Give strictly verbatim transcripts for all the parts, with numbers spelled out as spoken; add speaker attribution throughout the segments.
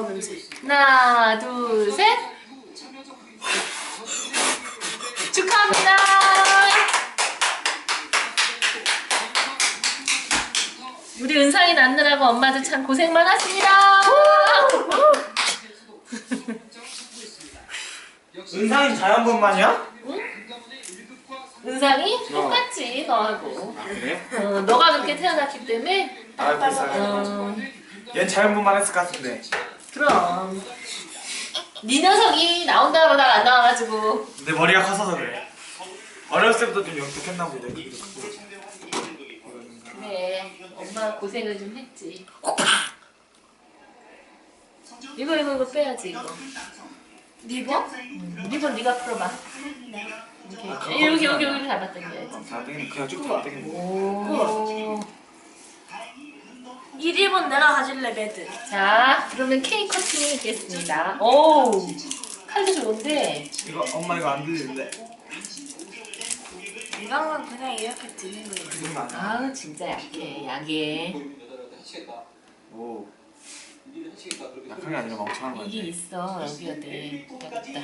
Speaker 1: 아우 냄새.
Speaker 2: 하나, 둘, 셋. 축하합니다. 우리 은상이 낳느라고 엄마도 참 고생 많았습니다.
Speaker 3: 은상이 자연분만이야?
Speaker 2: 응? 은상이 똑같지 너하고.
Speaker 3: 아 그래?
Speaker 2: 어, 너가 그렇게 태어났기 때문에.
Speaker 3: 아 불쌍해.
Speaker 2: 어,
Speaker 3: 얜 자연분만 했을 것 같은데.
Speaker 2: 그럼. 네 녀석이 나온다 그러다가 안 나와가지고.
Speaker 3: 내 머리가 커서서 그래. 어렸을 때부터 좀 영특했나 보다.
Speaker 2: 그래, 엄마 고생을 좀 했지. 이거 이거 이거 빼야지 이거.
Speaker 1: 리버?
Speaker 2: 응, 리본 네가 풀어봐. 이렇게 여기 여기 여기 잡아 당겨야지.
Speaker 3: 잘 되겠네. 그냥 쭉 잡아 되겠네.
Speaker 2: 오.
Speaker 1: 이 리본 내가 가질래 매드.
Speaker 2: 자, 그러면 케이크 커팅이 있겠습니다. 오, 칼도 좋은데.
Speaker 3: 이거 엄마 이거 안 들리는데.
Speaker 1: 이거는 그냥 이렇게 드는 거예요.
Speaker 3: 그 정도 아니야?
Speaker 2: 아, 진짜 약해, 약해.
Speaker 3: 오. 약한 게 아니라 멍청한 거
Speaker 2: 이게
Speaker 3: 같아.
Speaker 2: 있어 여기가 돼. 여기다.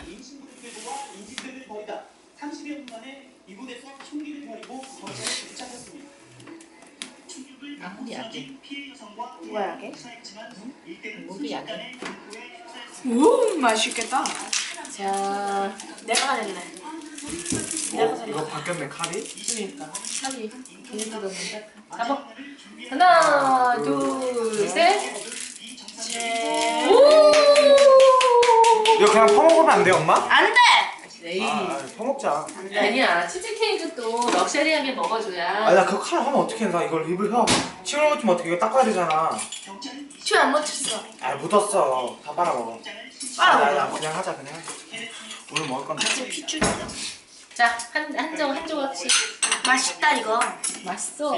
Speaker 4: 삼십여 분 만에 이곳에서 총기를 버리고 거처에 도착했습니다.
Speaker 2: 아, 허리 약해.
Speaker 1: 누가 약해?
Speaker 2: 목이 약해.
Speaker 1: 오 맛있겠다.
Speaker 2: 자,
Speaker 1: 내가 가질래.
Speaker 3: 오, 이거 바뀌었네 칼이?
Speaker 2: 그러니까 칼이 걔네들 너무 딱 잡아. 하나, 둘, 셋.
Speaker 1: 네.
Speaker 2: 오!
Speaker 3: 이거 그냥 퍼먹으면 안 돼 엄마?
Speaker 1: 안 돼.
Speaker 2: 에이.
Speaker 3: 아 퍼먹자.
Speaker 2: 아니야, 치즈케이크도 럭셔리하게 먹어줘야.
Speaker 3: 아니 나 그거 칼 하면 어떻게 해? 나 이걸 입을 혀 침을 묻히면 어떻게 이거 닦아야 되잖아.
Speaker 1: 춤안 묻혔어.
Speaker 3: 아 묻었어. 다 빨아먹어.
Speaker 1: 빨아먹어.
Speaker 3: 아, 그냥 하자 그냥 하자. 오늘 먹을 건데.
Speaker 1: 피추.
Speaker 2: 자, 한, 한정, 한 조각씩.
Speaker 1: 맛있다 이거.
Speaker 2: 맛있어.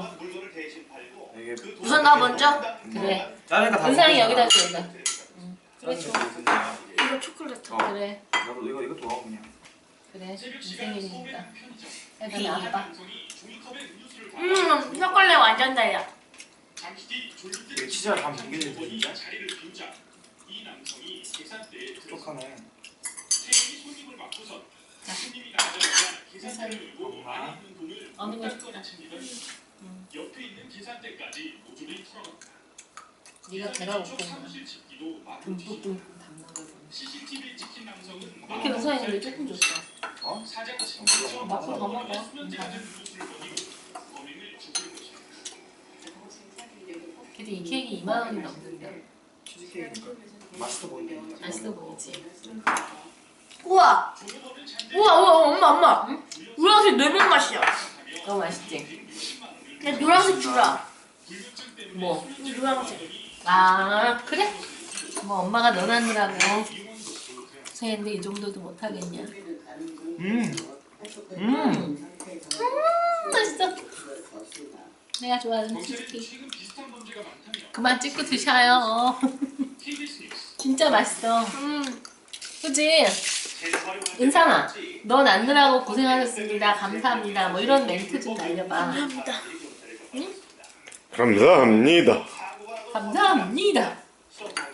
Speaker 3: 이게
Speaker 1: 우선 나 먼저.
Speaker 2: 그래.
Speaker 3: 짜니까 다
Speaker 2: 은상이
Speaker 3: 먹겠다.
Speaker 2: 여기다 줘, 여기다. 응. 그래, 줘.
Speaker 1: 이거 초콜릿.
Speaker 3: 어.
Speaker 2: 그래.
Speaker 3: 나도 이거 이거 좋아 그냥.
Speaker 2: 그래. 인생이니까. 해봐, 아빠.
Speaker 1: 음 초콜릿 완전 달려.
Speaker 3: 이게 치즈가 다 담겨있는데 진짜? 촉촉하네. 엄마.
Speaker 2: 어느 거 줄까? 응. 네가 배가 고프면 듬뿍 듬뿍 담는 거지. 이렇게 은상이는 조금 줬어.
Speaker 3: 어?
Speaker 2: 먹고 더 먹어. 근데 이 케이크 이만 원이 넘는데.
Speaker 3: 치즈케이크니까 맛있어 보이네.
Speaker 2: 맛있어 보이지?
Speaker 1: 우와. 우와 우와 엄마 엄마. 응? 노란색 레몬 맛이야.
Speaker 2: 너무 맛있지?
Speaker 1: 야 노란색 주라.
Speaker 2: 뭐?
Speaker 1: 이 노란색.
Speaker 2: 아, 그래? 뭐 엄마가 넣어놨느라고 고생했는데 이 정도도 못하겠냐?
Speaker 3: 음. 음.
Speaker 2: 음, 맛있어. 내가 좋아하는 치즈케이크. 그만 찍고 드셔요. 진짜 맛있어.
Speaker 1: 음.
Speaker 2: 그치? 은상아, 너 낳느라고 고생하셨습니다. 감사합니다. 뭐 이런 멘트 좀 날려봐.
Speaker 1: 감사합니다.
Speaker 2: 응?
Speaker 5: 감사합니다.
Speaker 2: 감사합니다.